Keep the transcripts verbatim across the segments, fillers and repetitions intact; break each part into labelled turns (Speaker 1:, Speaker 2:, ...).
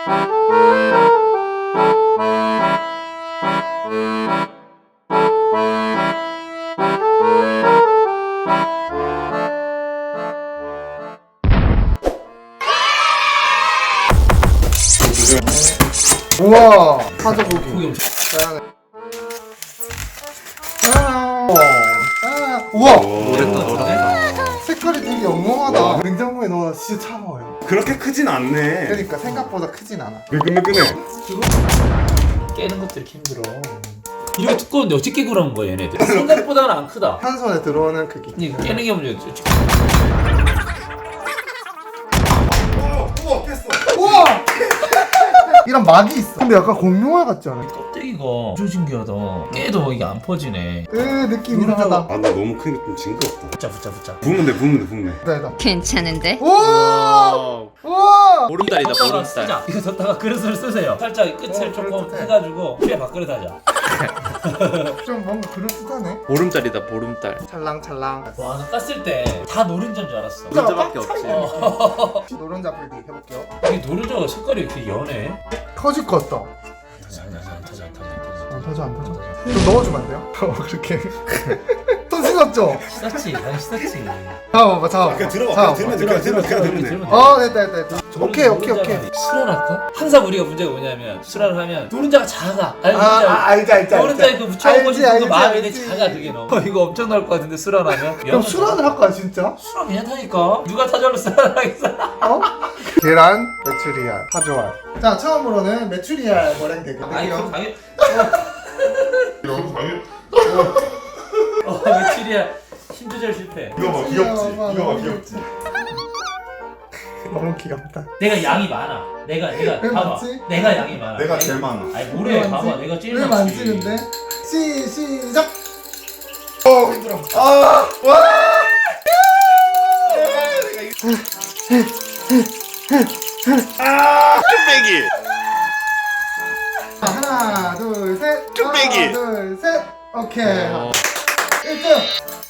Speaker 1: 우와 타조 고기.
Speaker 2: 고기 엄청.
Speaker 1: 짜잔. 짜잔. 짜잔. 우와
Speaker 2: 노랬다 노랬다.
Speaker 1: 색깔이 되게 영롱하다. 냉장고에 넣어 진짜 차가워요.
Speaker 3: 그렇게 크진 않네.
Speaker 1: 그러니까 생각보다 크진 않아.
Speaker 3: 매끈매끈해.
Speaker 2: 깨는 것도 이렇게 힘들어. 이렇게 두꺼운데 어떻게 그런 거야 얘네들? 생각보다는 안 크다.
Speaker 1: 한 손에 들어오는 크기.
Speaker 2: 이거 깨는 게 문제지.
Speaker 3: 우와 깼어.
Speaker 1: 우와 이런 막이 있어. 근데 약간 공룡알 같지 않아?
Speaker 2: 껍데기가 엄청 신기하다. 깨도 이게 안 퍼지네.
Speaker 1: 으 느낌 이상하다.
Speaker 3: 아 나 너무 크니까 좀 징그럽다.
Speaker 2: 붙자 붙자 붙자.
Speaker 3: 부으면 돼 부으면 돼 부으면 돼.
Speaker 1: 됐다 됐다.
Speaker 4: 괜찮은데?
Speaker 1: 우와 우와
Speaker 5: 보름달이다
Speaker 2: 덮다가
Speaker 5: 보름달.
Speaker 2: 쓰자. 이거 덮다가 그릇을 쓰세요. 살짝 끝을
Speaker 1: 어,
Speaker 2: 조금
Speaker 1: 그릇
Speaker 2: 해가지고 피에 밥그릇 하자.
Speaker 1: 좀 뭔가 그럴듯하네.
Speaker 5: 보름달이다 보름달.
Speaker 1: 찰랑찰랑.
Speaker 2: 와, 나 땄을 때 다 노른자인 줄 알았어.
Speaker 5: 노른자밖에 없지.
Speaker 1: 노른자 불기 해볼게요.
Speaker 2: 이게 노른자가 색깔이 이렇게 연해.
Speaker 1: 터질 것 같다.
Speaker 2: 터져, 안 터져, 안 터져, 안 터져, 안 터져.
Speaker 1: 안 터져 안 터져. 좀 넣어주면 안 돼요? 어 그렇게. 손 씻었죠?
Speaker 2: 씻었지, 난 씻었지.
Speaker 1: 잡아봐 잡아봐.
Speaker 3: 그냥 들어봐.
Speaker 1: 잡아봐.
Speaker 3: 그냥 들면 돼. 그냥 들면 돼. 그냥 들면 돼.
Speaker 1: 어 됐다 됐다 됐다. 오케이 오케이 오케이.
Speaker 2: 수란할까? 항상 우리가 문제가 뭐냐면 수란을 하면 노른자가 작아. 아니,
Speaker 1: 아,
Speaker 2: 노른자,
Speaker 1: 아 알지 알지 알지.
Speaker 2: 노른자에 그 묻혀먹고
Speaker 1: 알지,
Speaker 2: 싶은 그
Speaker 1: 알지,
Speaker 2: 마음이 내
Speaker 1: 알지.
Speaker 2: 작아 그게 너무. 어, 이거 엄청 나올 것 같은데 수란하면.
Speaker 1: 그럼 수란을 할까 진짜?
Speaker 2: 수란 괜찮다니까. 누가 타절로 수란하겠어?
Speaker 1: 어? 계란, 메추리알, 파조알. 자 처음으로는 메추리알 머랭 대결.
Speaker 2: 아이 그
Speaker 1: 할게요.
Speaker 2: 당연.
Speaker 3: 너무 당연.
Speaker 2: 어 며칠이야 힘 조절 실패.
Speaker 3: 이거 봐 귀엽지. 이거 봐 귀엽지.
Speaker 1: 너무 귀엽다.
Speaker 2: 내가 양이 많아. 내가 내가
Speaker 1: 왜
Speaker 2: 봐봐.
Speaker 1: 많지?
Speaker 2: 내가 양이 많아.
Speaker 3: 내가 제일 많아.
Speaker 2: 아니 뭐래
Speaker 1: 왜
Speaker 2: 봐봐.
Speaker 1: 많지?
Speaker 2: 내가 제일
Speaker 1: 왜
Speaker 2: 많지.
Speaker 1: 많지 근데? 시 시작.
Speaker 3: 어 힘들어. 아 와. 아 쭈빼기.
Speaker 1: 자, 하나 둘 셋.
Speaker 3: 쭈빼기.
Speaker 1: 하나 둘 셋. 오케이.
Speaker 5: 어.
Speaker 1: 일 등.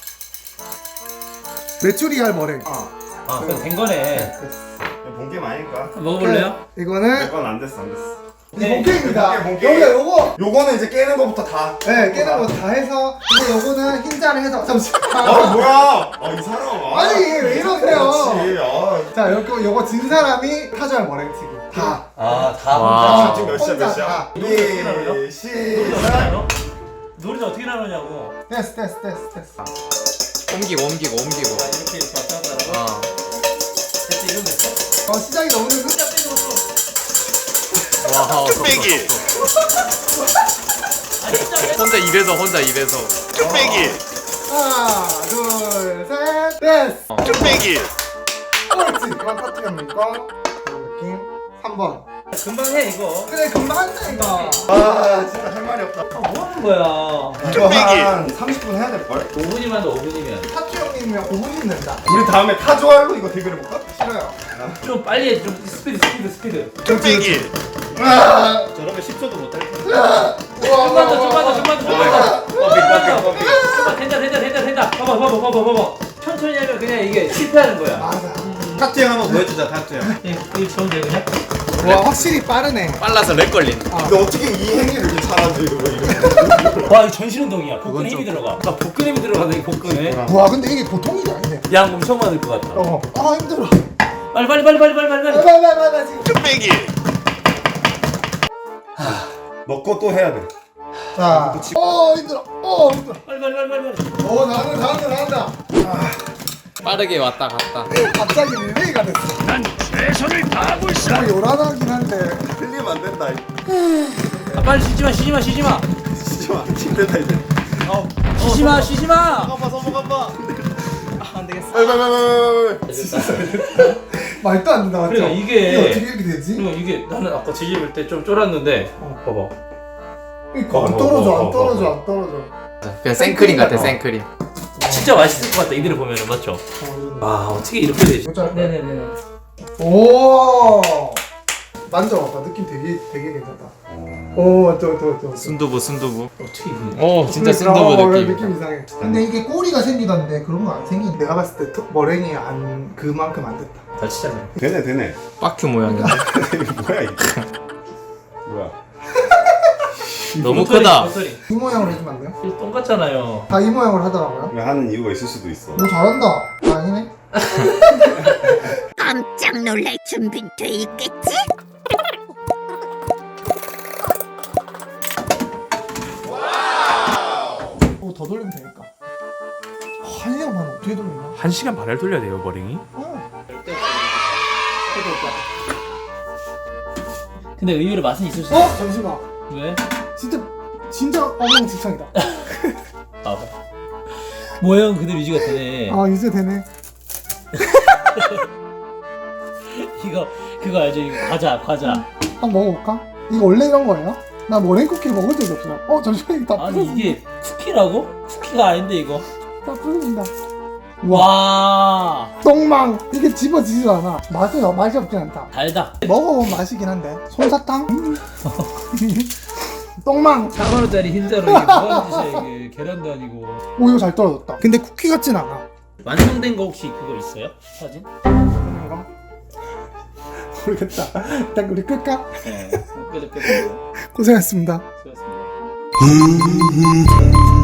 Speaker 1: 메추리알 머랭.
Speaker 2: 아 그럼 된 거네.
Speaker 3: 본게 많으니까.
Speaker 2: 먹어볼래요?
Speaker 1: 이거는
Speaker 3: 이건 안 됐어 안 됐어.
Speaker 1: 이게 본게임이다.
Speaker 3: 본게, 본게.
Speaker 1: 여기가 요거.
Speaker 3: 요거는 이제 깨는 거부터 다.
Speaker 1: 네 깨는 거 다 해서 근데 요거는 흰자를 해서 잠시만.
Speaker 3: 아 뭐야? 아이 사람. 아,
Speaker 1: 아니, 왜 이러세요?
Speaker 3: 그렇지. 아.
Speaker 1: 자 요거 요거 진 사람이 타조알 머랭치기. 다.
Speaker 2: 아다
Speaker 5: 와.
Speaker 2: 혼자.
Speaker 3: 지금 몇 시야 몇
Speaker 1: 혼자
Speaker 3: 시야?
Speaker 1: 다.
Speaker 3: 예 시작.
Speaker 2: 노른자 어떻게 나누냐고.
Speaker 1: 됐어 됐어 됐어 됐어.
Speaker 5: 옮기고 옮기고 옮기고.
Speaker 2: 아, 이렇게 이렇게 왔다 갔다 하고.
Speaker 5: 어.
Speaker 2: 됐지 이러면 됐어?
Speaker 1: 어 시작이 너무 늦은.
Speaker 5: 와.
Speaker 3: 쭈빼기.
Speaker 2: 아니 진짜
Speaker 5: 혼자 입에서 혼자 입에서.
Speaker 3: 쭈빼기.
Speaker 1: 하나 둘셋 됐어.
Speaker 3: 쭈빼기.
Speaker 1: 옳지. 그만 터뜨렸는 거. 그런 느낌. 삼 번.
Speaker 2: 금방 해 이거.
Speaker 1: 그래 금방 한다 이거.
Speaker 3: 아 진짜 할 말이 없다.
Speaker 2: 아, 뭐 하는 거야?
Speaker 3: 이거 한 삼십 분 해야 될 걸?
Speaker 2: 오 분이면 오 분이면
Speaker 1: 타투 형님이랑 오 분 있는다.
Speaker 3: 우리 다음에 타조알로 이거 대결해볼까?
Speaker 1: 싫어요.
Speaker 2: 좀 빨리 해. 좀 스피드 스피드 스피드.
Speaker 3: 쭈빼기.
Speaker 1: 아,
Speaker 5: 저러면 십 초도 못할 거야.
Speaker 2: 좀만 더, 좀만 더, 좀만 더, 좀만 더. 버피, 버피, 버피. 좀만 된다, 된다, 된다, 된다. 봐봐, 봐봐, 봐봐, 봐봐. 천천히 하면 그냥 이게 실패하는 거야.
Speaker 1: 맞아.
Speaker 5: 타투 형 한번 보여주자 타투 형.
Speaker 2: 이거 좋은 데 그냥.
Speaker 1: 와 확실히 빠르네.
Speaker 5: 빨라서 렉 걸린.
Speaker 3: 근데 어떻게 이 행위를 이렇게 잘하지 이거 이거.
Speaker 2: 와, 이거 전신 운동이야. 복근 힘이 들어가. 나 복근 힘이 들어가네, 이 복근에.
Speaker 1: 와 근데 이게 보통이 아니네.
Speaker 2: 양 엄청 많을 것 같다.
Speaker 1: 어. 아 힘들어.
Speaker 2: 빨리, 빨리, 빨리, 빨리, 빨리, 빨리. 빨리.
Speaker 1: 빨빨빨빨 지금.
Speaker 3: 쭈빼기. 넣고 또 해야 돼.
Speaker 1: 자. 어 힘들어. 어 힘들어.
Speaker 2: 빨리, 빨리, 빨리, 빨리, 빨리.
Speaker 1: 어 나한다 나한다 나한다.
Speaker 5: 빠르게 왔다 갔다.
Speaker 1: 갑자기 릴레이가 됐어. 난 최선을 다하고 있어. 뭐 요란하긴 한데.
Speaker 3: 틀리면 안 된다.
Speaker 2: 아, 빨리 쉬지 마, 쉬지 마, 쉬지 마.
Speaker 3: 진짜 힘들다 이제.
Speaker 2: 어, 쉬지 마, 쉬지 마.
Speaker 3: 한번 서먹 한번.
Speaker 5: 안 되겠어.
Speaker 3: 빨빨빨빨빨빨.
Speaker 1: 말도 안 된다 맞죠?
Speaker 2: 그러니까 이게-
Speaker 1: 이게 어떻게 이렇게 되지?
Speaker 2: 그리고 이게 나는 아까 뒤집을 때 좀 쫄았는데, 어, 봐봐.
Speaker 1: 그러니까 안 떨어져 안 떨어져 안 떨어져.
Speaker 5: 그냥 생크림 같아 생크림.
Speaker 2: 진짜 맛있을 것 같다, 이들을 보면은, 맞죠? 와, 어떻게 이렇게 되지?
Speaker 1: 진짜.
Speaker 2: 네네네.
Speaker 1: 오. 만져봐봐. 느낌 되게 되게 괜찮다.
Speaker 3: 어.
Speaker 1: 오 맞죠 맞죠 맞죠.
Speaker 5: 순두부 순두부.
Speaker 2: 어떻게 이게?
Speaker 5: 오 진짜
Speaker 1: 그러니까,
Speaker 5: 순두부
Speaker 1: 어,
Speaker 5: 느낌.
Speaker 1: 느낌 이상해. 근데 이게 꼬리가 생기던데 그런 거 안 생긴. 내가 봤을 때 턱- 머랭이 안 그만큼 안 됐다.
Speaker 2: 다치잖아요.
Speaker 3: 되네 되네.
Speaker 5: 빠큐 모양인데.
Speaker 3: 이게 뭐야 이게? 뭐야?
Speaker 5: 너무 크다.
Speaker 2: 소리.
Speaker 1: 이 모양으로 해주면 안 돼요?
Speaker 2: 똑같잖아요.
Speaker 1: 다 이 모양으로 하더라고요.
Speaker 3: 왜 하는 이유가 있을 수도 있어.
Speaker 1: 오 잘한다. 아니네.
Speaker 4: 깜짝 놀랄 준비는 돼 있겠지?
Speaker 1: 오 더 돌리면 되니까. 한 시간 반 어떻게 돌리나?
Speaker 6: 한 시간 반을 돌려야 돼요 머랭이?
Speaker 1: 어.
Speaker 2: 근데 의외로 맛은 있을 수
Speaker 1: 어
Speaker 2: 있어.
Speaker 1: 잠시만.
Speaker 2: 왜?
Speaker 1: 진짜 진짜 엉망진창이다.
Speaker 2: 봐봐. 모형 그대로 유지가 되네.
Speaker 1: 아 이제 되네.
Speaker 2: 이거 그거 알죠? 이거 과자 과자.
Speaker 1: 한번 먹어볼까? 이거 원래 이런 거예요? 나 머랭 쿠키를 먹은 적이 없어요. 어 잠시만 이거 다
Speaker 2: 아니
Speaker 1: 부서진다.
Speaker 2: 이게 쿠키라고? 쿠키가 아닌데 이거.
Speaker 1: 다 부서진다.
Speaker 2: 와
Speaker 1: 똥망 이게 집어지지도 않아. 맛은 어- 맛이 없진 않다.
Speaker 2: 달다.
Speaker 1: 먹어보면 맛이긴 한데 솜사탕? 음. 똥망.
Speaker 2: 사 만 원짜리 흰자로 이게 뭐하는 짓이야 이게. 계란도 아니고.
Speaker 1: 오 이거 잘 떨어졌다. 근데 쿠키 같진 않아.
Speaker 2: 완성된 거 혹시 그거 있어요? 사진?
Speaker 1: 그런가? 모르겠다. 일단 우리 끌까?
Speaker 2: 네. 끝, 끝, 끝.
Speaker 1: 고생했습니다.
Speaker 2: 수고하셨습니다.